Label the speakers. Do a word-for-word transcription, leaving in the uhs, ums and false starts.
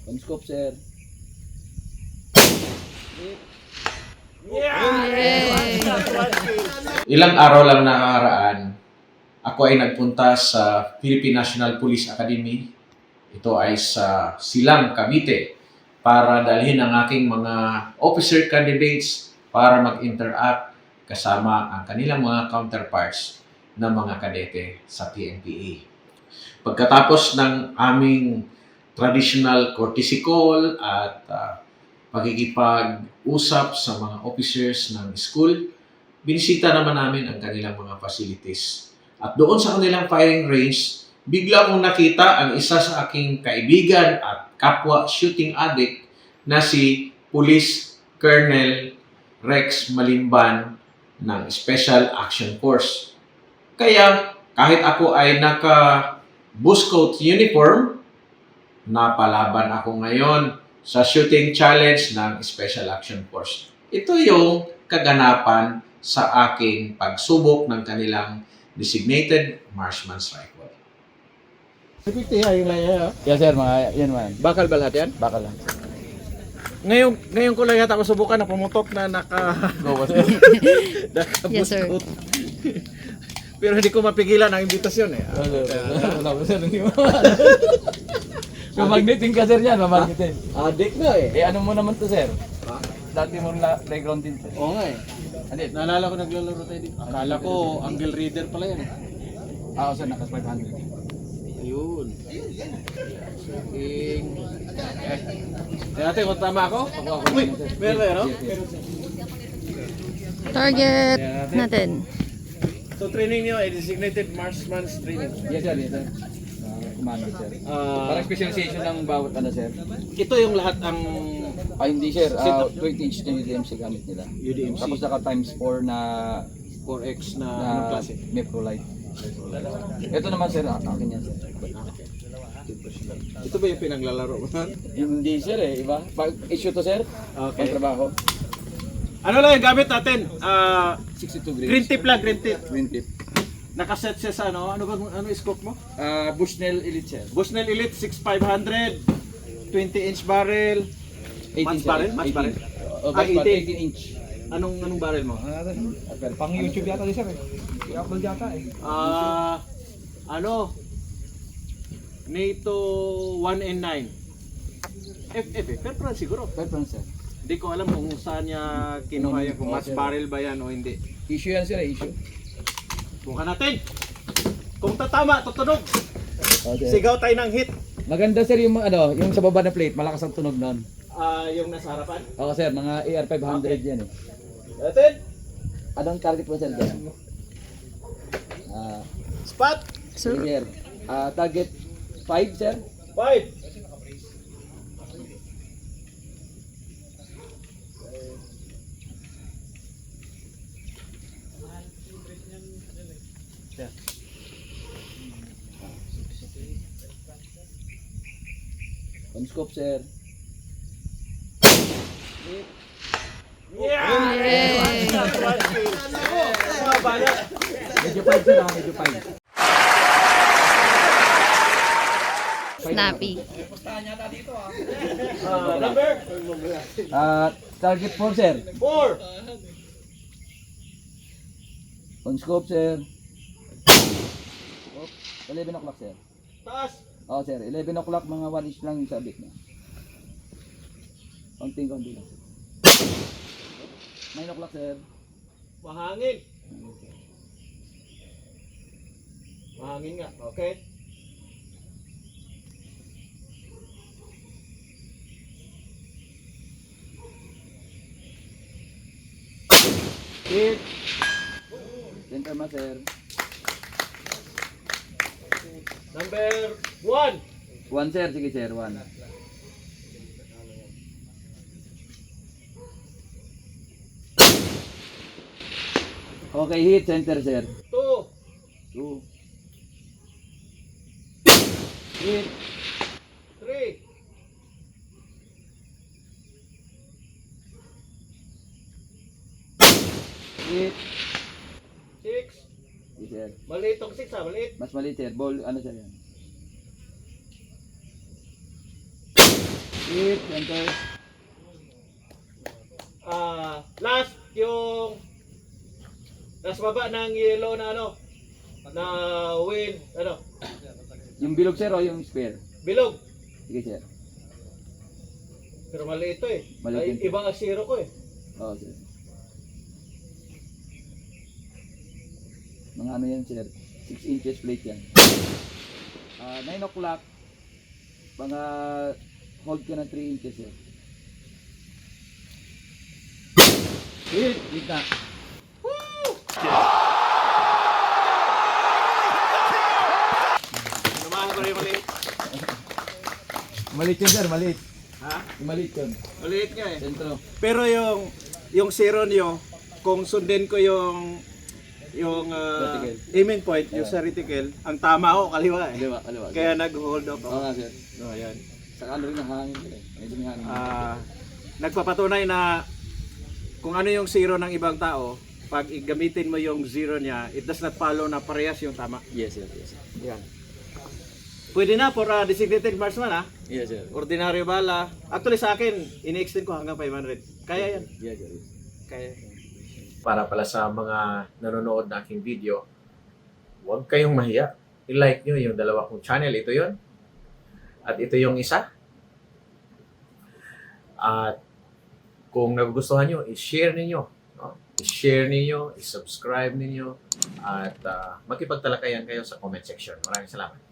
Speaker 1: On scope, sir.
Speaker 2: Ilang araw lang nakaraan, ako ay nagpunta sa Philippine National Police Academy. Ito ay sa Silang, Cavite, para dalhin ang aking mga officer candidates para mag-interact kasama ang kanilang mga counterparts na mga kadete sa P N P A. Pagkatapos ng aming traditional courtesy call at uh, pagkikipag-usap sa mga officers ng school, binisita naman namin ang kanilang mga facilities. At doon sa kanilang firing range, bigla kong nakita ang isa sa aking kaibigan at kapwa shooting addict na si Police Colonel Rex Malimban ng Special Action Force. Kaya kahit ako ay naka-Boy Scout uniform, napalaban ako ngayon sa shooting challenge ng Special Action Force. Ito yung kaganapan sa aking pagsubok ng kanilang designated marksman's rifle.
Speaker 3: fifty ay yung laya.
Speaker 1: Yes, sir. Mga, yan man.
Speaker 3: Bakal ba lahat yan?
Speaker 1: Bakal lang.
Speaker 3: Ngayon, ngayon ko lang yata masubukan na pumutok na naka...
Speaker 1: Go, sir.
Speaker 3: naka
Speaker 4: Yes, sir.
Speaker 3: Pero hindi ko mapigilan ang imbitasyon eh.
Speaker 1: Wala ko, sir. Hindi mo. Mamagnetin ka, sir, yan. Mamagnetin.
Speaker 3: Adik na eh.
Speaker 1: Eh, ano mo naman to, sir? Dati mong la- playground din, sir.
Speaker 3: Oo nga eh.
Speaker 1: Ano yun?
Speaker 3: Naalala ko naglalaro tayo dito. Akala ko angle reader pala yan eh.
Speaker 1: Ah, sir, naka five hundred.
Speaker 3: Ayun. Shooting. Eh. Tingnan natin kung tama ako. Uy, meron eh, no?
Speaker 4: Target natin.
Speaker 3: So training niyo ay designated marksman's training.
Speaker 1: Yes, sir. Yes, sir. Ah, commando, sir.
Speaker 3: Ah,
Speaker 1: Parang specialization ng bawat ano, sir.
Speaker 3: ito yung lahat ang
Speaker 1: Ah, hindi, sir. Ah, twenty inch na U D M C gamit nila.
Speaker 3: U D M C
Speaker 1: Tapos naka times four na
Speaker 3: four X na
Speaker 1: na
Speaker 3: anong klase?
Speaker 1: Meprolite. Ito naman, sir. Ah, akin yan, sir.
Speaker 3: Ito ba yung pinaglalaro mo?
Speaker 1: Hindi, sir, eh. Iba. Pag issue to, sir.
Speaker 3: Okay.
Speaker 1: Pang trabaho.
Speaker 3: Ano lang yung gamit natin? Ah,
Speaker 1: sixty-two grades.
Speaker 3: green tip lang, green tip.
Speaker 1: Green tip.
Speaker 3: Nakaset siya sa ano? Ano ba ano scope mo?
Speaker 1: Ah, Bushnell Elite, sir.
Speaker 3: Bushnell Elite sixty-five hundred, twenty inch barrel. Match
Speaker 1: sir.
Speaker 3: barrel? Match barrel?
Speaker 1: Oh,
Speaker 3: Ah,
Speaker 1: match barrel.
Speaker 3: eighteen.
Speaker 1: eighteen inch.
Speaker 3: Anong anong barrel mo?
Speaker 1: Pang YouTube yata ni sir, eh. I-upload yata, eh.
Speaker 3: Ah, ano? NATO one N nine. F F eh, pero siguro.
Speaker 1: Preference, sir.
Speaker 3: Hindi ko alam kung saan niya kinuha yan, kung match barrel ba yan o hindi.
Speaker 1: Issue yan, sir, eh. Issue.
Speaker 3: Bukan natin. Kung tatama, tutunog.
Speaker 1: Okay.
Speaker 3: Sigaw tayo ng hit.
Speaker 1: Maganda, sir, yung ano, yung sa baba na plate, malakas ang tunog noon.
Speaker 3: Ah, yung nasa harapan.
Speaker 1: Oo, sir, mga A R five hundred yan, eh.
Speaker 3: Natin.
Speaker 1: Anong target mo, sir, dyan? Ah,
Speaker 3: Spot.
Speaker 4: Sir,
Speaker 1: sige, sir. Ah, target five, sir.
Speaker 3: Five.
Speaker 1: On scope, sir.
Speaker 3: Yeah!
Speaker 4: Yay!
Speaker 3: One kill. Mga bala.
Speaker 1: Medyo five, sir, ah. Medyo five.
Speaker 4: snappy.
Speaker 3: Ah, number
Speaker 1: Ah, target four, sir.
Speaker 3: four.
Speaker 1: On scope, sir. Oh, eleven o'clock, sir.
Speaker 3: Taas.
Speaker 1: Oo, sir. eleven o'clock, mga one inch lang yung sabit na. Konting, konting lang. nine o'clock, sir.
Speaker 3: Mahangin. Mahangin nga. Okay. Hit.
Speaker 1: Center ma, sir.
Speaker 3: Number one.
Speaker 1: One, sir. Sige, sir. One. Okay, hit. Center, sir.
Speaker 3: Two.
Speaker 1: Two. Hit.
Speaker 3: Three.
Speaker 1: Hit.
Speaker 3: Six.
Speaker 1: Sige, sir.
Speaker 3: Maliit tong six ha. Maliit.
Speaker 1: Mas maliit, sir. Ball, ano, sir, yan? Hit, enter.
Speaker 3: Ah, last yung last baba ng yellow na ano na wind ano
Speaker 1: Yung bilog sir o yung spare?
Speaker 3: bilog.
Speaker 1: Sige sir.
Speaker 3: Pero mali ito eh.
Speaker 1: Maliit
Speaker 3: Ay,
Speaker 1: yun.
Speaker 3: ibang asiro ko eh.
Speaker 1: Oo sir. Mga ano yan sir? six inches plate yan. Ah, nine o'clock. Mga hold ka ng three inches sir. Hit! Hit na.
Speaker 3: Samahan ko rin mali.
Speaker 1: Maliit yun sir, maliit.
Speaker 3: Ha?
Speaker 1: Maliit yun.
Speaker 3: Maliit nga eh.
Speaker 1: Sentro.
Speaker 3: Pero yung yung zero niyo, kung sundin ko yung yung ah,
Speaker 1: Reticle.
Speaker 3: aiming point, yung sa reticle, ang tama ako kaliwa eh.
Speaker 1: Kaliwa, kaliwa.
Speaker 3: Kaya nag-hold off
Speaker 1: Oo
Speaker 3: ako.
Speaker 1: nga sir.
Speaker 3: No, yan.
Speaker 1: Saka ano rin ang hangin sir. Medyo may hangin.
Speaker 3: Ah, nagpapatunay na kung ano yung zero ng ibang tao, pag gamitin mo yung zero niya, it does not follow na parehas yung tama.
Speaker 1: Yes sir, yes sir.
Speaker 3: Yan. Pwede na for a designated marksman ha.
Speaker 1: Yes sir.
Speaker 3: Ordinaryo bala. Actually sa akin, ini-extend ko hanggang five hundred. Kaya yan.
Speaker 1: Yes sir.
Speaker 3: Kaya.
Speaker 2: Para pala sa mga nanonood na aking video, huwag kayong mahiya. I-like nyo yung dalawa kong channel. Ito yon At ito yung isa. At kung nagugustuhan nyo, i-share ninyo. No? I-share ninyo, i-subscribe ninyo, at uh, makipagtalakayan kayo sa comment section. Maraming salamat.